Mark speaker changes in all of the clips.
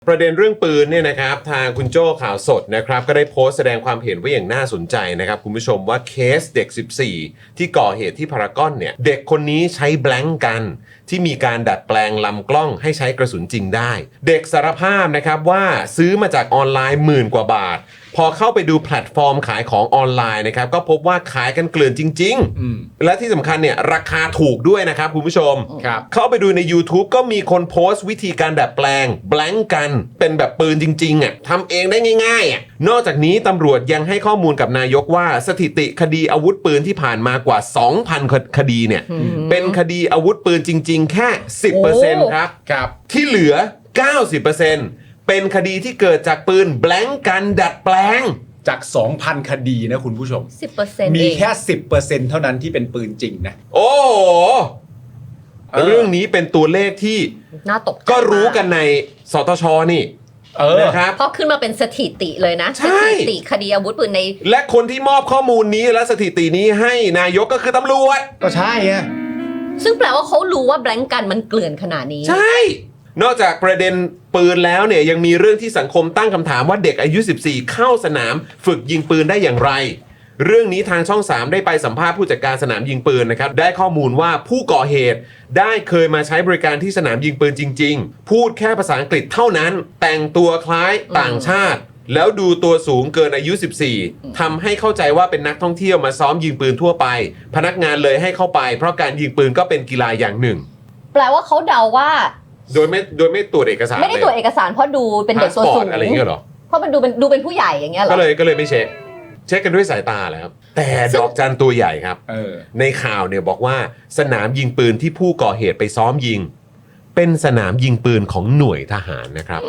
Speaker 1: ประเด็นเรื่องปืนเนี่ยนะครับทางคุณโจ้ข่าวสดนะครับก็ได้โพสต์แสดงความเห็นไว้อย่างน่าสนใจนะครับคุณผู้ชมว่าเคสเด็ก 14 ที่ก่อเหตุที่พารากอนเนี่ยเด็กคนนี้ใช้แบล็งกันที่มีการดัดแปลงลำกล้องให้ใช้กระสุนจริงได้เด็กสารภาพนะครับว่าซื้อมาจากออนไลน์10,000 กว่าบาทพอเข้าไปดูแพลตฟอร์มขายของออนไลน์นะครับก็พบว่าขายกันเกลื่อนจริงๆและที่สำคัญเนี่ยราคาถูกด้วยนะครับคุณผู้ชมเข้าไปดูใน YouTube ก็มีคนโพสต์วิธีการดัดแปลงแบล็งกันเป็นแบบปืนจริงๆอ่ะทำเองได้ง่ายๆอ่ะนอกจากนี้ตำรวจยังให้ข้อมูลกับนายกว่าสถิติคดีอาวุธปืนที่ผ่านมากว่า 2,000 คดีเนี่ยเป็นคดีอาวุธปืนจริงๆแค่ 10% ครับที่เหลือ 90%เป็นคดีที่เกิดจากปืนแบล็งกันดัดแปลง
Speaker 2: จาก 2,000 คดีนะคุณผู้ชม
Speaker 3: 10%
Speaker 2: มีแค่ 10% เท่านั้นที่เป็นปืนจริงนะ
Speaker 1: โอ้โหเรื่องนี้เป็นตัวเลขที่
Speaker 3: น่าตกใจ
Speaker 1: ก็รู้กันในสตชนี่นะครับ
Speaker 3: เพราะขึ้นมาเป็นสถิติเลยนะสถิติคดีอาวุธปืนใน
Speaker 1: และคนที่มอบข้อมูลนี้และสถิตินี้ให้นายกก็คือตำรวจ
Speaker 2: ก็ใช่ฮะ
Speaker 3: ซึ่งแปลว่าเขารู้ว่าแบล็งกันมันเกลื่อนขนาดนี้
Speaker 1: ใช่นอกจากประเด็นปืนแล้วเนี่ยยังมีเรื่องที่สังคมตั้งคำถามว่าเด็กอายุ 14 เข้าสนามฝึกยิงปืนได้อย่างไรเรื่องนี้ทางช่อง 3 ได้ไปสัมภาษณ์ผู้จัดการสนามยิงปืนนะครับได้ข้อมูลว่าผู้ก่อเหตุได้เคยมาใช้บริการที่สนามยิงปืนจริงๆพูดแค่ภาษาอังกฤษเท่านั้นแต่งตัวคล้ายต่างชาติแล้วดูตัวสูงเกินอายุ 14 ทำให้เข้าใจว่าเป็นนักท่องเที่ยวมาซ้อมยิงปืนทั่วไปพนักงานเลยให้เข้าไปเพราะการยิงปืนก็เป็นกีฬาอย่างหนึ่ง
Speaker 3: แปลว่าเขาเดาว่า
Speaker 1: โดยไม่ตรวจเอกสาร
Speaker 3: ไม่ได้ตรวจเอกสารเพราะดูเป็นเด็กตัวสูง
Speaker 1: อะไรอย่างเงี้ยหรอ
Speaker 3: เพราะมันดูเป็นผู้ใหญ่อย่างเงี้ยหรอ
Speaker 1: ก็เลยไม่เช็คกันด้วยสายตาแหละครับแต่ดอกจันตัวใหญ่ครับในข่าวเนี่ยบอกว่าสนามยิงปืนที่ผู้ก่อเหตุไปซ้อมยิงเป็นสนามยิงปืนของหน่วยทหารนะครับ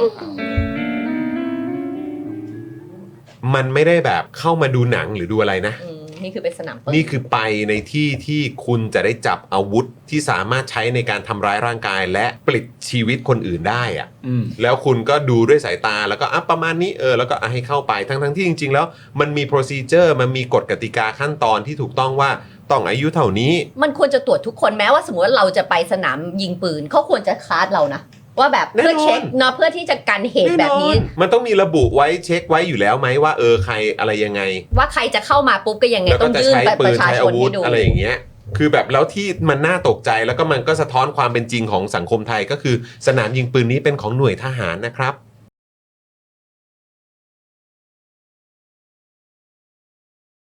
Speaker 1: มันไม่ได้แบบเข้ามาดูหนังหรือดูอะไรนะ
Speaker 3: นี่คือเป็นสนามปืน
Speaker 1: นี่คือไปในที่ที่คุณจะได้จับอาวุธที่สามารถใช้ในการทำร้ายร่างกายและปลิดชีวิตคนอื่นได้อะแล้วคุณก็ดูด้วยสายตาแล้วก็ประมาณนี้แล้วก็ให้เข้าไปทั้งที่จริงๆแล้วมันมี procedure มันมีกฎกติกาขั้นตอนที่ถูกต้องว่าต้องอายุเท่านี้
Speaker 3: มันควรจะตรวจทุกคนแม้ว่าสมมติว่าเราจะไปสนามยิงปืนเขาควรจะคลาสเรานะว่าแบบเพื่อเช็คเนาะเพื่อที่จะกันเหตุแบบนี้
Speaker 1: มันต้องมีระบุไว้เช็คไว้อยู่แล้วไหมว่าใครอะไรยังไง
Speaker 3: ว่าใครจะเข้ามาปุ๊บก็ยังไงต้องยื่นบัตรประชาชนให้ดู
Speaker 1: อะไรอย่างเงี้ยคือแบบแล้วที่มันน่าตกใจแล้วก็มันก็สะท้อนความเป็นจริงของสังคมไทยก็คือสนามยิงปืนนี้เป็นของหน่วยทหารนะครับ